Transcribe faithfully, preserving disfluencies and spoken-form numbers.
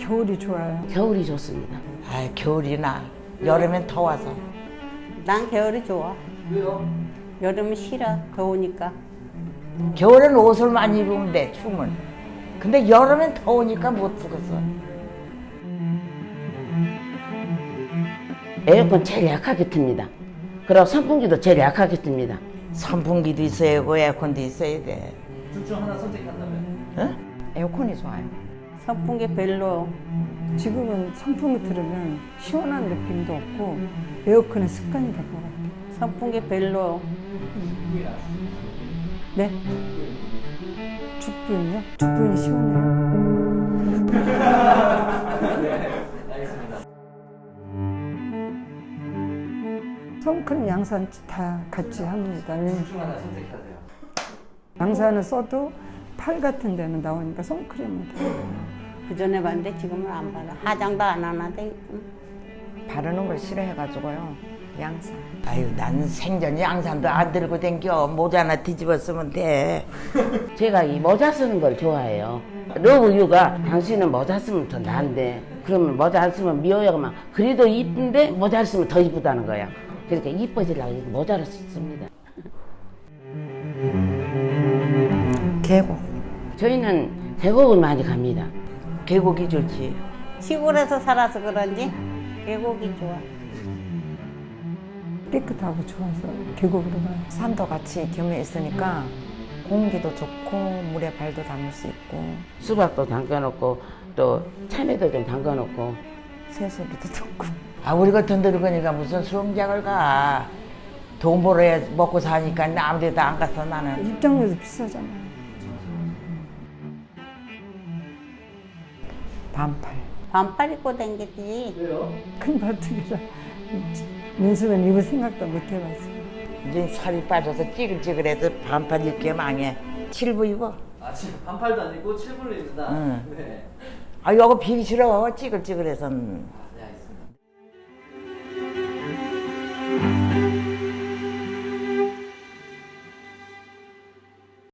겨울이 좋아요. 겨울이 좋습니다. 아, 겨울이나 여름엔 더워서. 난 겨울이 좋아. 왜요? 여름은 싫어. 더우니까. 겨울엔 옷을 많이 입으면 돼, 추우면. 근데 여름엔 더우니까 못 쓰겠어. 에어컨 제일 약하게 틉니다. 그리고 선풍기도 제일 약하게 틉니다. 선풍기도 있어야 하고 에어컨도 있어야 돼. 둘 중 하나 선택한다면? 응? 에어컨이 좋아요. 선풍기 별로. 지금은 선풍기 틀으면 시원한 느낌도 없고 에어컨의 습관이 될 것 같아요. 선풍기 별로. 네? 죽부인요? 죽부인이 시원해요. 알겠습니다. 선크림, 양산 다 같이 합니다. 왜냐면 둘 중 하나 선택해야 돼요. 양산을 써도 팔 같은 데는 나오니까 선크림은 다. 그 전에 봤는데 지금은 안 받아. 화장도 안 하는데. 바르는 걸 싫어해가지고요. 양산. 아유, 난 생전 양산도 안 들고 댕겨. 모자 하나 뒤집어 쓰면 돼. 제가 이 모자 쓰는 걸 좋아해요. 러브유가 당신은 모자 쓰면 더 나은데 그러면 모자 안 쓰면 미워요만 그래도 이쁜데 모자 쓰면 더 이쁘다는 거야. 그러니까 이뻐지려고 모자를 씁니다. 계곡. 저희는 계곡을 많이 갑니다. 계곡이 좋지. 시골에서 살아서 그런지 계곡이 좋아. 깨끗하고 좋아서 계곡으로 가요. 산도 같이 겸해 있으니까 공기도 좋고 물에 발도 담을 수 있고 수박도 담가놓고 또 참외도 좀 담가놓고 새소리도 듣고. 아, 우리 같은 늙으니까 무슨 수영장을 가. 돈 벌어야 먹고 사니까 아무 데도 안 갔어, 나는. 입장료도 비싸잖아요. 반팔. 반팔 입고 댕기지. 왜요? 큰 바둑이라 민수는 입을 생각도 못 해봤어요. 이제 살이 빠져서 찌글찌글해서 반팔 입게 망해. 칠부 입어. 아, 지금 반팔도 아니고 칠분을 입는다? 응. 네. 아, 이거 비기 싫어. 찌글찌글해서.